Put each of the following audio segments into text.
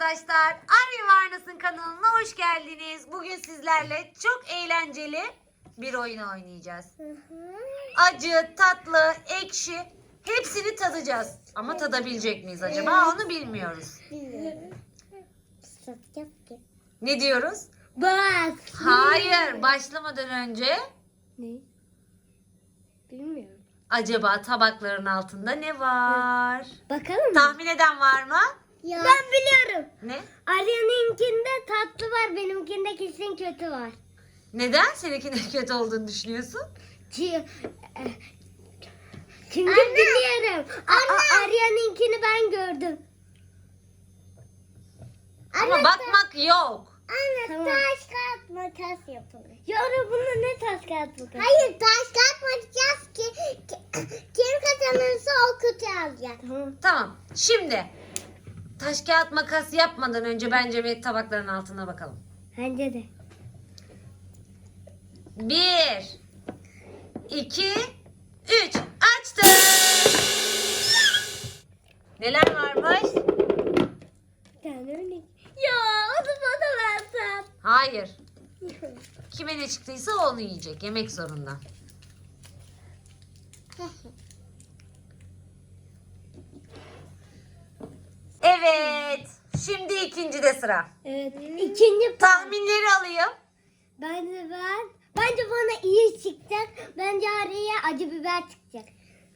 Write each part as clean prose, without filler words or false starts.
arkadaşlar. Arya Varnas'ın kanalına hoş geldiniz. Bugün sizlerle çok eğlenceli bir oyun oynayacağız. Acı, tatlı, ekşi hepsini tadacağız. Ama tadabilecek miyiz acaba onu bilmiyoruz. Ne diyoruz? Bak. Hayır, başlamadan önce Ne? Bilmiyorum. acaba tabakların altında ne var? Bakalım mı? Tahmin eden var mı? Ben biliyorum. Ne? Arya'nınkinde tatlı var, benimkinde kesin kötü var. Neden seninkinin kötü olduğunu düşünüyorsun? Çünkü biliyorum. Arya'nınkini ben gördüm. Ama bakmak yok. Anne tamam. Taş kağıt makas yapalım. Yavrum bunda ne taş kağıt makas? Hayır taş kağıt makas ki kim kazanırsa o kötü alacak. Tamam. Şimdi taş kağıt makas yapmadan önce bence bir tabakların altına bakalım. Bence de. 1 2 3 açtım. Neler varmış? Ya onu bana versen. Hayır. Kime ne çıktıysa onu yiyecek. Yemek zorunda. Evet. Şimdi ikincide sıra. Evet. İkinci Tahminleri alayım. Bence bana iyi çıkacak. Bence araya acı biber çıkacak.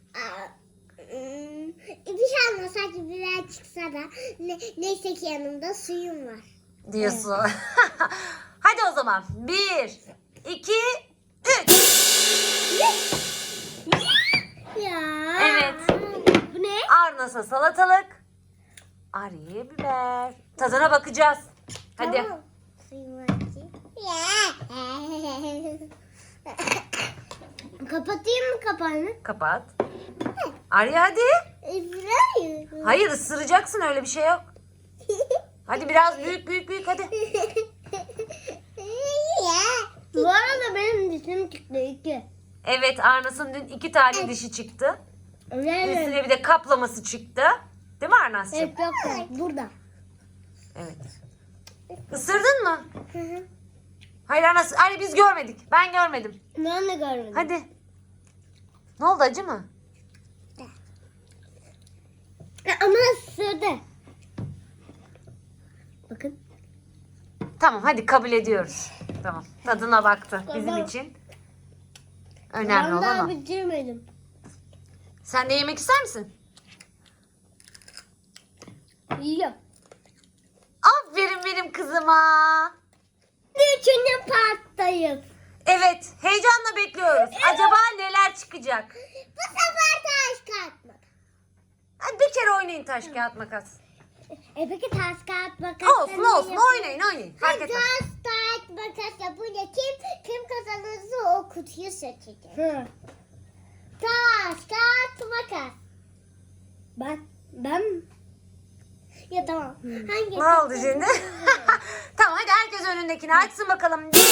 Bir şey olmaz acı biber çıksa da neyse ki yanımda suyum var. Diyorsun. Hadi o zaman. 1 2 3. Ya. Evet. Bu ne? Arnas'a salatalık. Arya'ya biber. Tadına bakacağız. Hadi. Tamam. Suyum var ki. Kapatayım mı kapağını? Kapat. Arya hadi. Hayır ısıracaksın, öyle bir şey yok. Hadi biraz büyük hadi. Bu arada benim dişim çıktı 2. Evet, Arnas'ın dün 2 tane dişi çıktı. Evet. Üstüne bir de kaplaması çıktı. Değil mi Arnas'cığım? Evet yok burada. Evet. Isırdın mı? Hayır Arnas. Arya biz görmedik. Ben görmedim. Ben de görmedim. Hadi. Ne oldu, acı mı? Ama ısırdı. Bakın. Tamam hadi kabul ediyoruz. Tamam. Tadına baktı bizim Tamam. için. Önemli Ben olan daha o. bitirmedim. Sen de yemek ister misin? Yiyorum. Aferin benim kızıma. Üçüncü parttayız. Evet, heyecanla bekliyoruz. Acaba neler çıkacak? Bu sefer taş kağıt makas. Hadi bir kere oynayın taş kağıt makas. Peki taş kağıt makas. Olsun oynayın. Fark etmez. Taş kağıt makas yapınca kim kazanırsa o kutuyu seçecek. Taş kağıt makas. Ben ya tamam. Hangi? Ne oldu şimdi? Tamam hadi herkes önündekini açsın bakalım. 1 2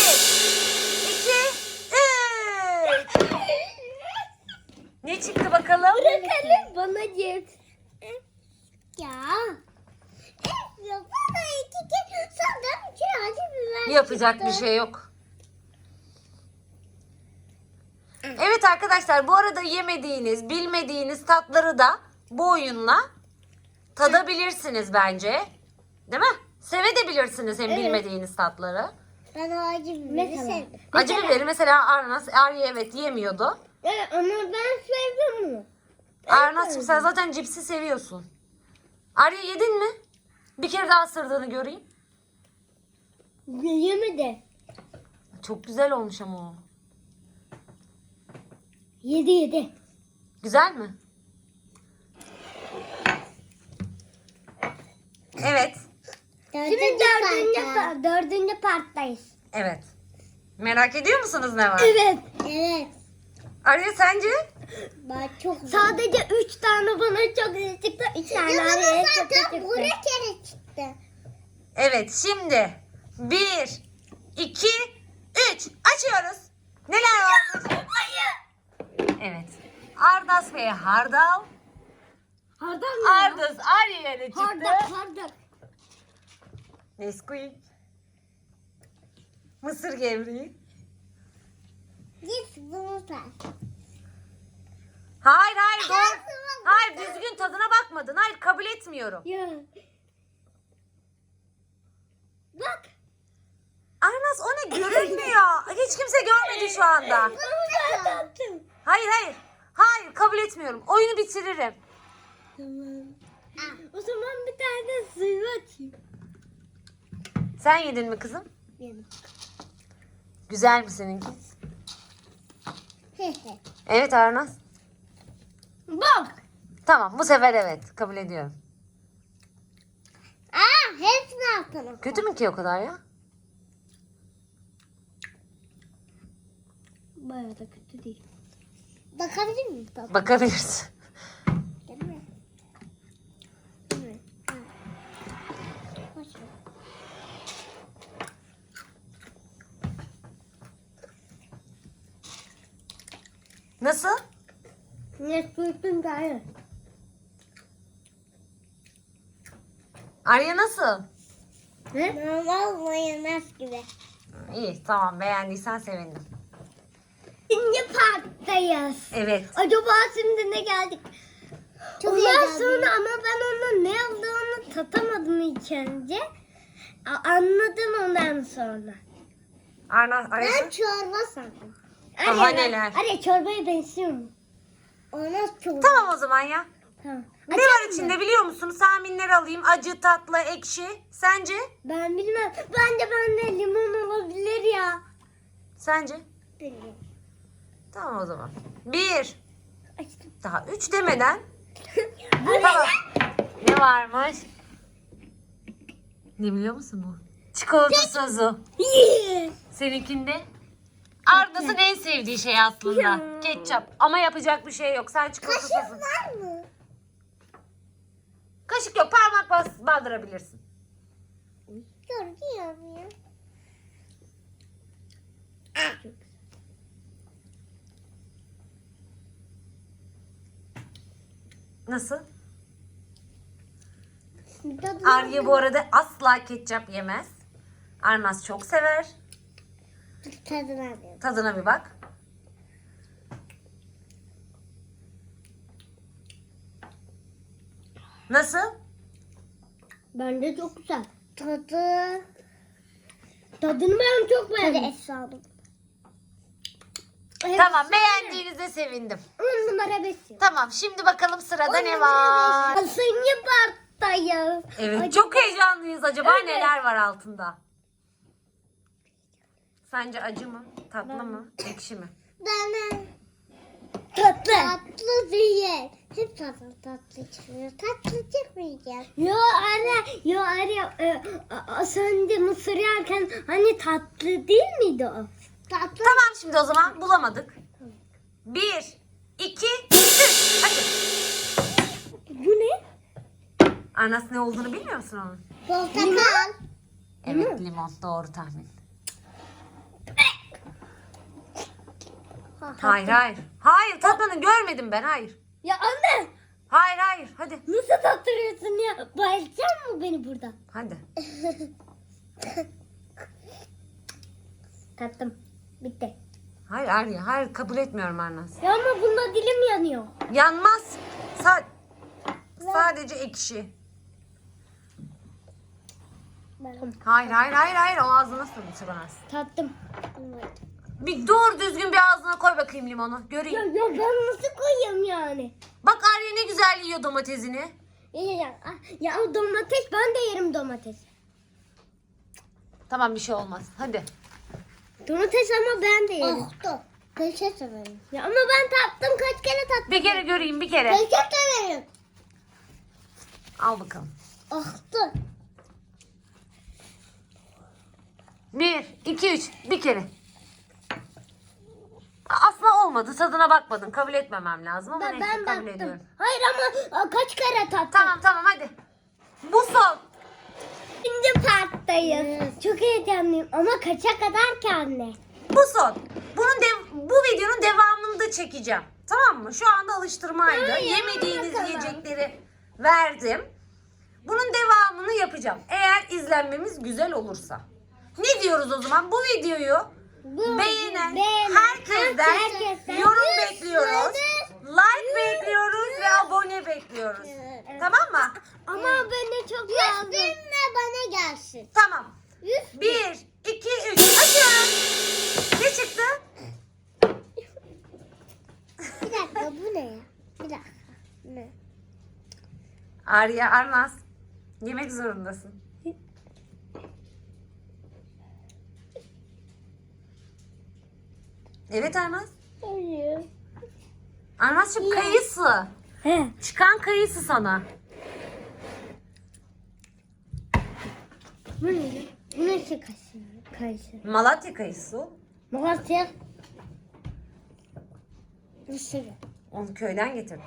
3. Ne çıktı bakalım? Bırakalım bana cips. Ya. Ya bana 2 kere sandım ki acı biber Yapacak çıktı. bir şey yok. Evet arkadaşlar, bu arada yemediğiniz, bilmediğiniz tatları da bu oyunla tadabilirsiniz bence. Değil mi? Sevebilirsiniz hem Evet. bilmediğiniz tatları. Ben o acı biberi sevdim. Acı biberi mesela Arya evet yemiyordu. Evet ama ben sevdim bunu. Arnas'cığım sen zaten cipsi seviyorsun. Arya yedin mi? Bir kere daha ısırdığını göreyim. Yemedi. Çok güzel olmuş ama o. Yedi. Güzel mi? Şimdi Evet. dördüncü parttayız. Evet. Merak ediyor musunuz ne var? Evet. Arya sence? Ben çok sadece 3 tane bana çok iyi çıktı. 3 tane araya çok iyi çıktı. Buraya kere çıktı. Evet şimdi 1 2 3 açıyoruz. Neler var? Evet. Ardas ve Hardal. Hardal mı? Ardas Arya'ya ne çıktı? Hardal. Nesquik. Mısır gevreği. Git bunu tak. Hayır doğru. Hayır düzgün tadına bakmadın. Hayır kabul etmiyorum. Ya. Bak. Arnaz o ne görünmüyor. Hiç kimse görmedi şu anda. Bunu ben tattım. Hayır kabul etmiyorum. Oyunu bitiririm. Tamam. O zaman bir tane suyu açayım. Sen yedin mi kızım? Benim. Güzel mi seninki? Evet Arnaz. Bak. Tamam bu sefer evet kabul ediyorum. Hepsini attım. Kötü mü ki o kadar ya? Bayağı da kötü değil. Bakabilir miyim? Bakabilirsin. Değil mi? Değil mi? Ha. Hoş ver. Nasıl? Nesquik'in gayrı. Arya nasıl? Ne? Normal mayonez gibi. İyi tamam beğendiysen sevindim. İkinci parktayız. Evet. Acaba şimdi ne geldik? Ondan sonra ama ben onun ne olduğunu tatamadım ilk önce. Anladım ondan sonra. Arya. çorba sandım. Daha neler? Arya çorbaya benziyor mu? Ona çorba. Tamam o zaman ya. Tamam. Ne var içinde biliyor musun? Tahminleri alayım. Acı, tatlı, ekşi. Sence? Ben bilmem. Bende limon olabilir ya. Sence? Bilmiyorum. Tamam o zaman. 1. Açtım. Daha 3 demeden. Bu ne? Tamam. Ne varmış? Ne biliyor musun bu? Çikolata sosu. Yeah. Seninkinde? Arnaz'ın en sevdiği şey aslında. Ya. Ketçap. Ama yapacak bir şey yok. Sen çikolata sosu. var mı? Kaşık yok. Parmak bandırabilirsin. Görüyorum ya. Nasıl? Arya bu arada asla ketçap yemez. Arnaz çok sever. Tadına alıyorum. Tadına bir bak. Nasıl? Bence çok güzel. Tadını ben çok beğendim. Hadi es aldım. Tamam beğendiğinize sevindim. 10 numara 5. Tamam şimdi bakalım sırada ne var? Seni parktayız. Evet çok heyecanlıyız. Acaba neler var altında? Sence acı mı? Tatlı mı? Ekşi mi? Bana tatlı. Tatlı değil. Hep tatlı çıkıyor. Tatlı çıkmayacak. Yo anne. Sen de mısır yerken hani tatlı değil miydi o? Tatlı. Tamam şimdi o zaman bulamadık. 1, 2, 3. Hadi. Bu ne? Arnaz ne olduğunu bilmiyor musun onun? Portakal. Evet limon doğru tahmin. Hayır tatmanı görmedim ben hayır. Ya anne. Hayır hadi. Nasıl tattırıyorsun ya? Bayılacak mı beni burada? Hadi. Tattım. Bitti. Hayır Arya hayır kabul etmiyorum Arnaz. Ya ama bunda dilim yanıyor. Yanmaz. Sadece ekşi. Hayır o ağzına sığmaz. Tattım. Bir doğru düzgün bir ağzına koy bakayım limonu. Göreyim. Ya ben nasıl koyayım yani? Bak Arya ne güzel yiyor domatesini. Ya domates ben de yerim domates. Tamam bir şey olmaz. Hadi. Domates ama ben de yerim. Peçete severim. Ya ama ben tattım kaç kere tattım. Bir kere göreyim bir kere. Peçete severim. Al bakalım. Ahtı. 1, 2, 3 bir kere. Aslında olmadı. Tadına bakmadın. Kabul etmemem lazım ama neyse kabul baktım. ediyorum. Hayır ama kaç kere tattım. Tamam hadi. Bu son. İkinci parktayız. Çok heyecanlıyım ama kaça kadar ki anne? Bu son. Bu videonun devamını da çekeceğim. Tamam mı? Şu anda alıştırmaydı. Hayır, Yemediğiniz bakalım. yiyecekleri verdim. Bunun devamını yapacağım. Eğer izlenmemiz güzel olursa. Ne diyoruz o zaman? Bu videoyu beğenen herkesten yorum bekliyoruz. Like bekliyoruz ve abone bekliyoruz. Tamam mı? Ama bana çok lazım. 100 binle bana gelsin. Tamam. 100 1, 2, 3. Açıyorum. Ne çıktı? Bir dakika bu ne ya? Bir dakika. Ne? Arya Arnaz. Yemek zorundasın. Evet Arnaz. Hayır. Arnaz'cığım kayısı. He. Çıkan kayısı sana. Bu ne? Bu ne kayısı? Kayısı. Malatya kayısı o. Malatya. Mısır. Onu köyden getirdim.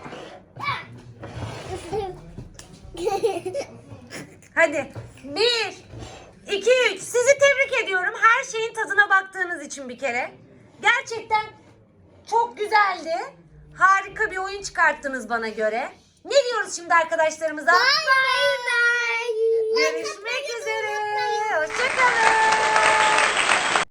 Hadi. 1, 2, 3. Sizi tebrik ediyorum. Her şeyin tadına baktığınız için bir kere. Gerçekten çok güzeldi. Harika bir oyun çıkarttınız bana göre. Ne diyoruz şimdi arkadaşlarımıza? Bye.